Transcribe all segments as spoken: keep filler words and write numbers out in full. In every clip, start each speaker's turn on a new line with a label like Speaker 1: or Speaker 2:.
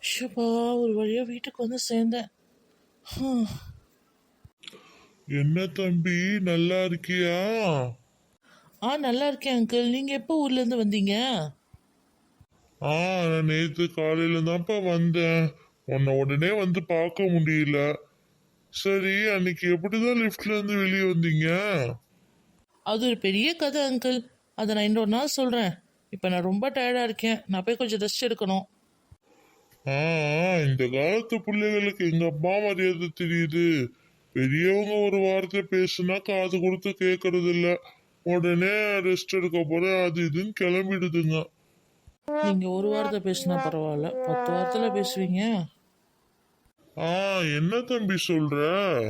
Speaker 1: ஷப்பா, ஒரு வழியா வீட்டுக்கு வந்து சேர்ந்தேன். ஹம்.
Speaker 2: என்ன தம்பி, நல்லா இருக்கியா?
Speaker 1: ஆ, நல்லா இருக்கேன் அங்கிள். நீங்க எப்போ ஊர்ல இருந்து வந்தீங்க?
Speaker 2: ஆ, நான் நேற்று காலையில தான்ப்பா வந்தேன். உன்னை உடனே வந்து பார்க்க முடியல. சரி, அன்னைக்கு எப்படிதான் லிஃப்ட்ல இருந்து வெளியே வந்தீங்க?
Speaker 1: அது ஒரு பெரிய கதை அங்கிள். அதை நான் இன்னொரு நாள் சொல்றேன். இப்போ நான் ரொம்ப டயர்டா இருக்கேன். நான் போய் கொஞ்சம் ரெஸ்ட் எடுக்கணும்.
Speaker 2: ஆ ஆ, இந்த காலத்து பிள்ளைகளுக்கு எங்க அப்பா மரியாதை தெரியுது. பெரியவங்க ஒரு வார்த்தை பேசுனா காது கொடுத்து கேட்கறது இல்ல. உடனே ரெஸ்ட் எடுக்க போறேன் அது இதுன்னு கிளம்பிடுதுங்க.
Speaker 1: நீங்க ஒரு வாரத்தை பேசினா பரவாயில்ல, பத்து வாரத்துல பேசுவீங்க.
Speaker 2: ஆ, என்ன தம்பி சொல்ற?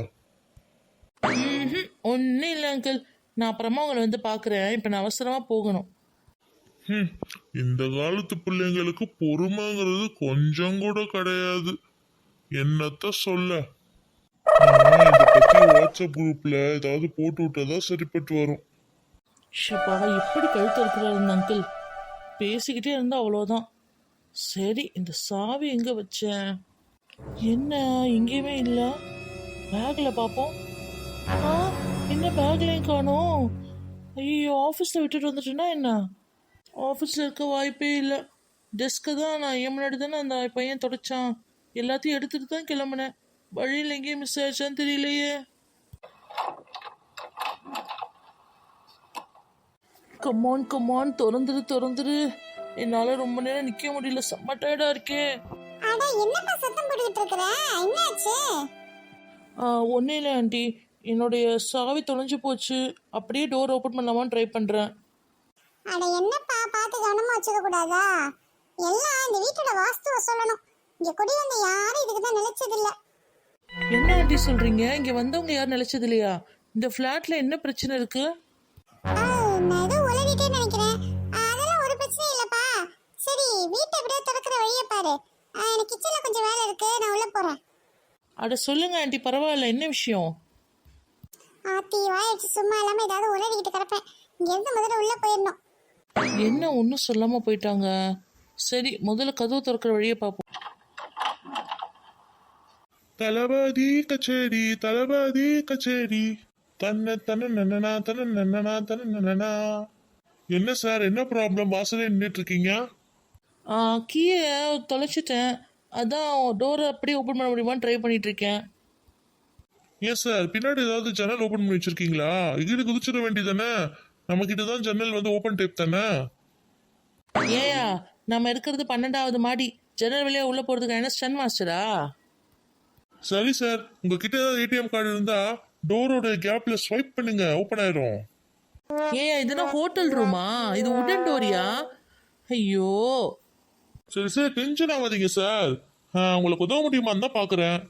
Speaker 1: ஒன்றும் இல்லை அங்கிள். நான் அப்புறமா உங்களை வந்து பார்க்குறேன். இப்போ நான் அவசரமா போகணும்.
Speaker 2: ஹம், இந்த காலத்து பிள்ளைங்களுக்கு பொறுமைங்கிறது கொஞ்சம் கூட கிடையாது. என்னத்த சொல்ல. நான் இதை பத்தி வாட்ஸ்அப் குரூப்ல ஏதாவது போட்டு விட்டதா சரிப்பட்டு வரும்.
Speaker 1: ஷப்பா, எப்படி கழுத்து இருக்கிறாரு இந்த அங்கிள். பேசிக்கிட்டே இருந்தா அவ்வளோதான். சரி, இந்த சாவி எங்க வச்சேன்? என்ன, எங்கேயுமே இல்லை. பேக்ல பார்ப்போம். ஆ, என்ன பேக்லையும் காணோம். ஐயோ, ஆஃபீஸில் விட்டுட்டு வந்துட்டேன்னா என்ன? ஆஃபீஸில் இருக்க வாய்ப்பே இல்லை. டெஸ்க்கை தான் நான் என் முன்னாடி தானே அந்த பையன் தொடச்சான். எல்லாத்தையும் எடுத்துட்டு தான் கிளம்புனேன். வழியில் எங்கேயும் மிஸ் ஆயிடுச்சான்னு தெரியலையே. கம்மான் கம்மான், திறந்துரு திறந்துரு. என்னால் ரொம்ப நேரம் நிற்க முடியல. செம்ம டயர்டாக இருக்கேன். ஒன்றும் இல்லை ஆண்டி, என்னுடைய சாவி தொலைஞ்சு போச்சு. அப்படியே டோர் ஓப்பன் பண்ணலாமான்னு ட்ரை பண்ணுறேன்.
Speaker 3: அட என்னப்பா, பார்த்து கவனமா வச்சுக்க கூடாதா? எல்லாம் இந்த வீட்டோட வாஸ்துவை சொல்லணும். இங்க குடி வந்த யாரும் இதுக்கு தான் நிலைச்சது இல்ல.
Speaker 1: என்ன ஆண்டி சொல்றீங்க? இங்க வந்தவங்க யாரும் நிலைச்சது இல்லையா? இந்த ஃபிளாட்ல என்ன பிரச்சனை இருக்கு?
Speaker 3: நான் ஏதோ உளறிட்டே நினைக்கிறேன். அதெல்லாம் ஒரு பிரச்சனையும் இல்லப்பா. சரி, வீட்டை அப்படியே திறக்கிற வழியை பாரு. எனக்கு கிச்சன்ல கொஞ்சம் வேலை இருக்கு, நான் உள்ள போறேன்.
Speaker 1: அட சொல்லுங்க ஆண்டி, பரவாயில்ல. என்ன விஷயம்?
Speaker 3: ஆத்தி வாயிடுச்சு, சும்மா இல்லாம ஏதாவது உளறிக்கிட்டு கிடப்பேன். இங்க இருந்து முதல்ல உள்ள போயிடணும்.
Speaker 1: என்ன ஒன்றும் சொல்லாம போயிட்டாங்க? சரி, முதல்ல கதவு திறக்கிற வழியை பார்ப்போம்.
Speaker 2: தளபதி கச்சேரி, தளபதி கச்சேரி, தன்ன தன நன்னனா தன நன்னனா தன நன்னனா. என்ன சார், என்ன ப்ராப்ளம்? வாசலே நின்றுட்டு இருக்கீங்க?
Speaker 1: கீயை தொலைச்சிட்டேன். அதான் டோரை அப்படியே ஓப்பன் பண்ண முடியுமான்னு ட்ரை பண்ணிட்டு இருக்கேன்.
Speaker 2: ஏன் சார், பின்னாடி ஏதாவது ஜன்னல் ஓபன் பண்ணி வச்சிருக்கீங்களா? இங்கிட்டு குதிச்சிட வேண்டியதானே. நம்ம கிட்ட தான் ஜன்னல் வந்து ஓபன் டைப் தானே.
Speaker 1: ஏயா, நம்ம இருக்கிறது பன்னெண்டாவது மாடி. ஜன்னல் வழியா உள்ள போறதுக்கு என்ன ஸ்டன் மாஸ்டரா?
Speaker 2: சரி சார், உங்ககிட்ட ஏதாவது ஏடிஎம் கார்டு இருந்தா டோரோட கேப்ல ஸ்வைப் பண்ணுங்க, ஓபன் ஆயிரும்.
Speaker 1: ஏயா, இதுனா ஹோட்டல் ரூமா? இது உடன் டோரியா? ஐயோ.
Speaker 2: சரி சார், டென்ஷன் ஆகாதீங்க சார். உங்களுக்கு உதவ முடியுமான்னு தான் பாக்குறேன்.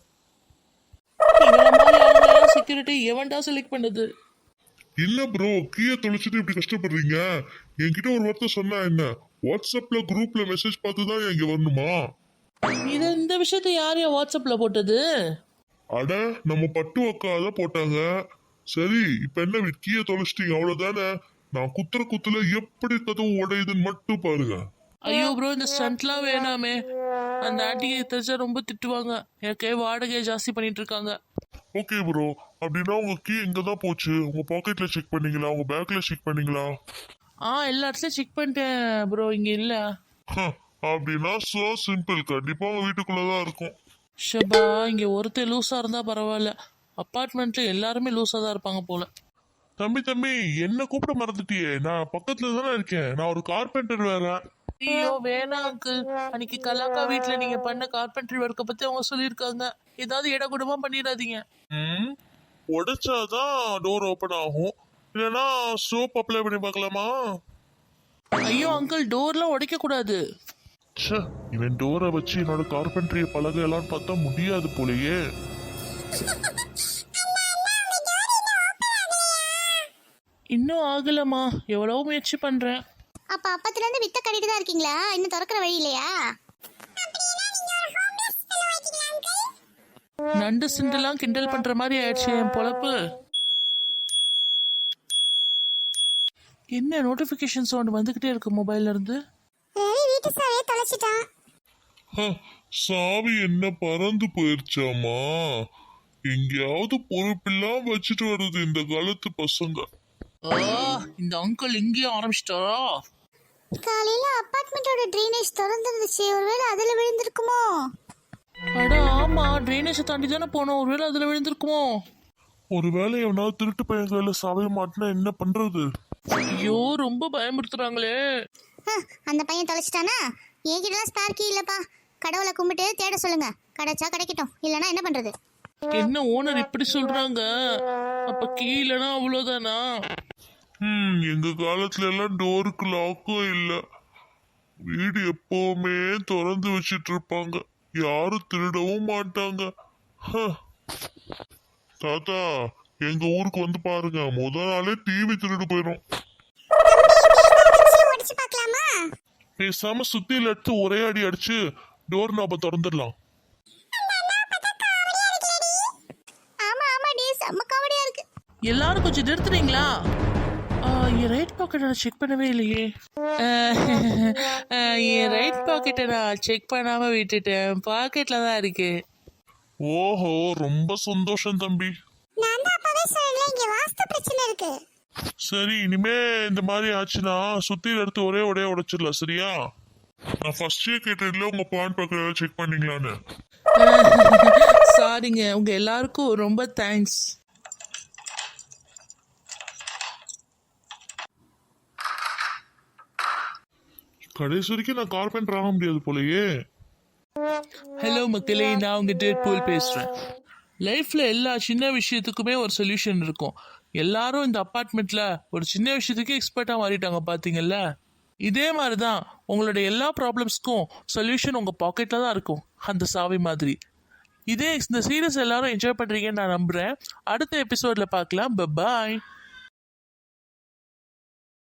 Speaker 1: செக்யூரிட்டி எவன்டா செலக்ட் பண்ணது?
Speaker 2: இல்ல ப்ரோ, கீயை தொலைச்சிட்டு இப்படி கஷ்டப்படுறீங்க. என்கிட்ட ஒரு வார்த்தை சொன்னா என்ன? வாட்ஸ்அப்ல குரூப்ல மெசேஜ் பார்த்து தான் இங்க வரணுமா?
Speaker 1: இது இந்த விஷயத்தை யார் யார் வாட்ஸ்அப்ல போட்டது?
Speaker 2: அட, நம்ம பட்டு அக்காத போட்டாங்க. சரி, இப்ப என்ன, கீயை தொலைச்சிட்டீங்க அவ்வளவுதானே. நான் குத்துற குத்துல எப்படி கதவு உடையுதுன்னு மட்டும் பாருங்க.
Speaker 1: ஐயோ ப்ரோ, இந்த ஸ்டண்ட்லாம் வேணாமே. அந்த ஆண்டியை தெரிஞ்சா ரொம்ப திட்டுவாங்க. எனக்கே வாடகையை ஜாஸ்தி பண்ணிட்டு இருக்காங்க.
Speaker 2: ஓகே ப்ரோ, அப்படின்னா உங்க கீ எங்க தான் போச்சு? உங்க பாக்கெட்ல செக் பண்ணீங்களா? உங்க பேக்ல செக் பண்ணீங்களா?
Speaker 1: ஆ, எல்லா இடத்துலயும் செக் பண்ணிட்டேன் ப்ரோ, இங்க இல்ல.
Speaker 2: அப்படின்னா சோ சிம்பிள், கண்டிப்பா உங்க வீட்டுக்குள்ளதான் இருக்கும்.
Speaker 1: ஷபா, இங்க ஒருத்தர் லூஸா இருந்தா பரவாயில்ல. அப்பார்ட்மெண்ட்ல எல்லாருமே லூஸா தான் இருப்பாங்க போல.
Speaker 2: தம்பி தம்பி, என்ன கூப்பிட மறந்துட்டியே? நான் பக்கத்துல தானே இருக்கேன். நான் ஒரு கார்பெண்டர் வேற.
Speaker 1: ஐயோ வேணாம் அங்கிள். அன்னைக்கு கலாக்கா வீட்டுல நீங்க பண்ண கார்பென்ட்ரி ஒர்க்கை பத்தி அவங்க சொல்லியிருக்காங்க. ஏதாவது இடகுடமா பண்ணிடாதீங்க.
Speaker 2: ம், உடைச்சாதான் டோர் ஓபன் ஆகும். இல்லைன்னா சோப் அப்ளை பண்ணி பார்க்கலாமா?
Speaker 1: ஐயோ அங்கிள், டோர்லாம் உடைக்க கூடாது.
Speaker 2: ச்சே, இவன் டோரை வச்சு என்னோட கார்பென்ட்ரிய பழகலான்னு பார்த்தா முடியாது போலயே.
Speaker 1: இன்னும் ஆகலமா, எவ்வளவு முயற்சி பண்றேன்.
Speaker 3: அப்ப அப்பத்துல இருந்து வித்த கட்டிட்டு தான் இருக்கீங்களா? இன்னும் திறக்கிற வழி இல்லையா?
Speaker 1: நண்டு சிண்டெல்லாம் கிண்டல் பண்ற மாதிரி ஆயிடுச்சு என் பொழப்பு. என்ன நோட்டிபிகேஷன் சவுண்ட் வந்துகிட்டே இருக்கு மொபைல்ல இருந்து?
Speaker 3: ரவி வீட்டு சாவியை தொலைச்சிட்டான்.
Speaker 2: ஹ, சாவி என்ன பறந்து போயிருச்சாமா? எங்கேயாவது பொறுப்பில்லாம வச்சுட்டு வருது இந்த காலத்து பசங்க.
Speaker 1: ஆ, இந்த அங்கிள் இங்கேயும் ஆரம்பிச்சிட்டாரா?
Speaker 3: காலையில அபார்ட்மெண்டோட ட்ரைனேஜ் திறந்துருந்துச்சு, ஒருவேளை அதுல விழுந்திருக்குமோ?
Speaker 1: அட ஆமா, ட்ரைனேஜை தாண்டி தானே போனோம், ஒருவேளை அதுல விழுந்திருக்குமோ?
Speaker 2: ஒருவேளை எவனாவது திருட்டு பையன் கையில சாவிய மாட்டினா என்ன பண்றது?
Speaker 1: ஐயோ, ரொம்ப பயமுறுத்துறாங்களே.
Speaker 3: ஹ, அந்த பையன் தொலைச்சிட்டானா? என்கிட்டலாம் ஸ்பேர் கீ இல்லப்பா. கடவுளை கும்பிட்டு தேட சொல்லுங்க, கிடைச்சா கிடைக்கட்டும், இல்லைன்னா என்ன பண்றது?
Speaker 1: என்ன ஓனர் இப்படி சொல்றாங்க? அப்ப கீழனா அவ்வளவுதானா?
Speaker 2: ம் எங்க காலத்துல எல்லாம் டோருக்கு லாக்கும் இல்ல, வீடு எப்பவுமே திறந்து வச்சிட்டு இருப்பாங்க, யாரும் திருடவும் மாட்டாங்க. ஹ. தாத்தா, எங்க ஊருக்கு வந்து பாருங்க, முத நாளே டிவி திருடு போயிடும்.
Speaker 3: உடைச்சு பார்க்கலாமா?
Speaker 2: பேசாம சுத்தியில எடுத்து ஒரே அடி அடிச்சு டோர் நாப திறந்துடலாம்.
Speaker 3: ஆமா ஆமா டி, செம்ம காமெடியா இருக்கு.
Speaker 1: எல்லாரும் கொஞ்சம் நிறுத்துறீங்களா? ஆ, என் ரைட் பாக்கெட்டை நான் செக் பண்ணவே இல்லையே. அஹ், அஹ், என் ரைட் பாக்கெட்டை நான் செக் பண்ணாம விட்டுட்டேன், பாக்கெட்ல தான் இருக்கு.
Speaker 2: ஓஹோ, ரொம்ப சந்தோஷம் தம்பி.
Speaker 3: நான் தான் அப்பவே சொன்னேன், இங்க வாஸ்து பிரச்சனை இருக்கு.
Speaker 2: சரி, இனிமே இந்த மாதிரி ஆச்சுன்னா சுத்தியில எடுத்து ஒரே ஒரே உடைச்சிடலாம், சரியா? நான் ஃபர்ஸ்டே கேட்டதுல உங்க பான் பக்கம் செக் பண்ணீங்களான்னு.
Speaker 1: சாரிங்க, உங்க எல்லாருக்கும் ரொம்ப தேங்க்ஸ்.
Speaker 2: கடைசி வரைக்கும் நான் கார்பெண்டர் ஆக முடியாது போலயே.
Speaker 1: ஹலோ மக்களே, நான் உங்க டேட் போல் பேசுறேன். லைஃப்ல எல்லா சின்ன விஷயத்துக்குமே ஒரு சொல்யூஷன் இருக்கும். எல்லாரும் இந்த அப்பார்ட்மெண்ட்ல ஒரு சின்ன விஷயத்துக்கு எக்ஸ்பர்ட்டா மாறிட்டாங்க, பாத்தீங்கல்ல? இதே மாதிரி தான் உங்களோட எல்லா ப்ராப்ளம்ஸ்க்கும் சொல்யூஷன் உங்க பாக்கெட்ல தான் இருக்கும், அந்த சாவி மாதிரி. இதே இந்த சீரியஸ் எல்லாரும் என்ஜாய் பண்றீங்கன்னு நான் நம்புறேன். அடுத்த எபிசோட்ல பார்க்கலாம். பாய்.